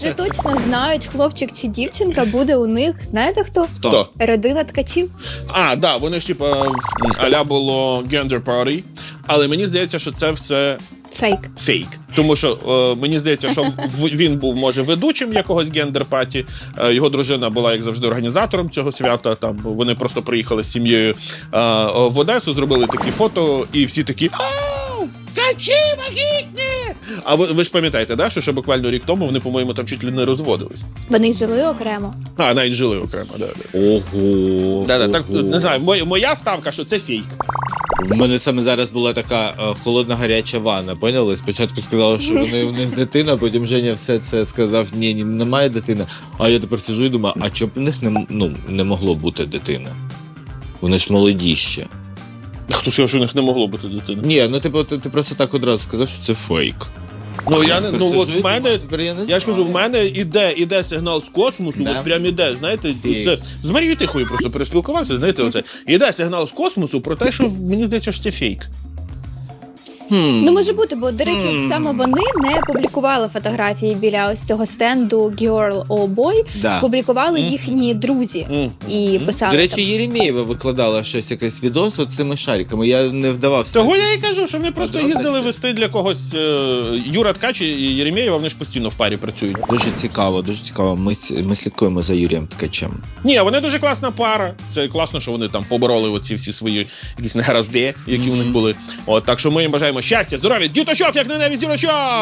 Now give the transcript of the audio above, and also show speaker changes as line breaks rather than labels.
Вже точно знають, хлопчик чи дівчинка буде у них, знаєте хто?
Хто?
Родина ткачів.
Да, вони ж типа а-ля було gender party, але мені здається, що це все
Фейк.
Тому що мені здається, що він був, може, ведучим якогось гендер-паті, його дружина була, як завжди, організатором цього свята, там вони просто приїхали з сім'єю в Одесу, зробили такі фото, і всі такі «Ткачі вагітні!» А ви ж пам'ятаєте, да, що ще буквально рік тому вони, по-моєму, там чуть ли не розводились.
Вони жили окремо.
Навіть жили окремо, да.
Ого.
Так, не знаю, моя ставка, що це фейк.
У мене саме зараз була така холодна гаряча ванна, поняли? Спочатку сказали, що у них дитина, потім Женя все це сказав, ні, немає дитини. А я тепер сиджу і думаю, а чому б у них не могло бути дитини? Вони ж молоді ще.
Хто сказав, що у них не могло бути дитини?
Ні, ну ти просто так одразу сказав, що це фейк.
От в мене, я ж кажу, в
знаю.
мене іде сигнал з космосу,
Да.
от прям іде, знаєте,
Фейк.
це з Марією Тихою просто переспілкувався, знаєте, оце. Іде сигнал з космосу про те, що мені здається, що це фейк.
Ну, може бути, бо, до речі, саме вони не публікували фотографії біля ось цього стенду Girl or Boy,
Да.
публікували їхні друзі і писали
До речі,
там.
Єремєєва викладала щось, якийсь відос з цими шариками. Я не вдавався.
Того я і кажу, що вони просто
Подробності.
їздили вести для когось Юра Ткач і Єремєєва, вони ж постійно в парі працюють.
Дуже цікаво, дуже цікаво. Ми слідкуємо за Юрієм Ткачем.
Ні, вони дуже класна пара. Це класно, що вони там побороли оці всі свої якісь негаразди, які у них були. От, так що ми їм бажаємо щастя, здоров'я, діточок, як на небі зірочок!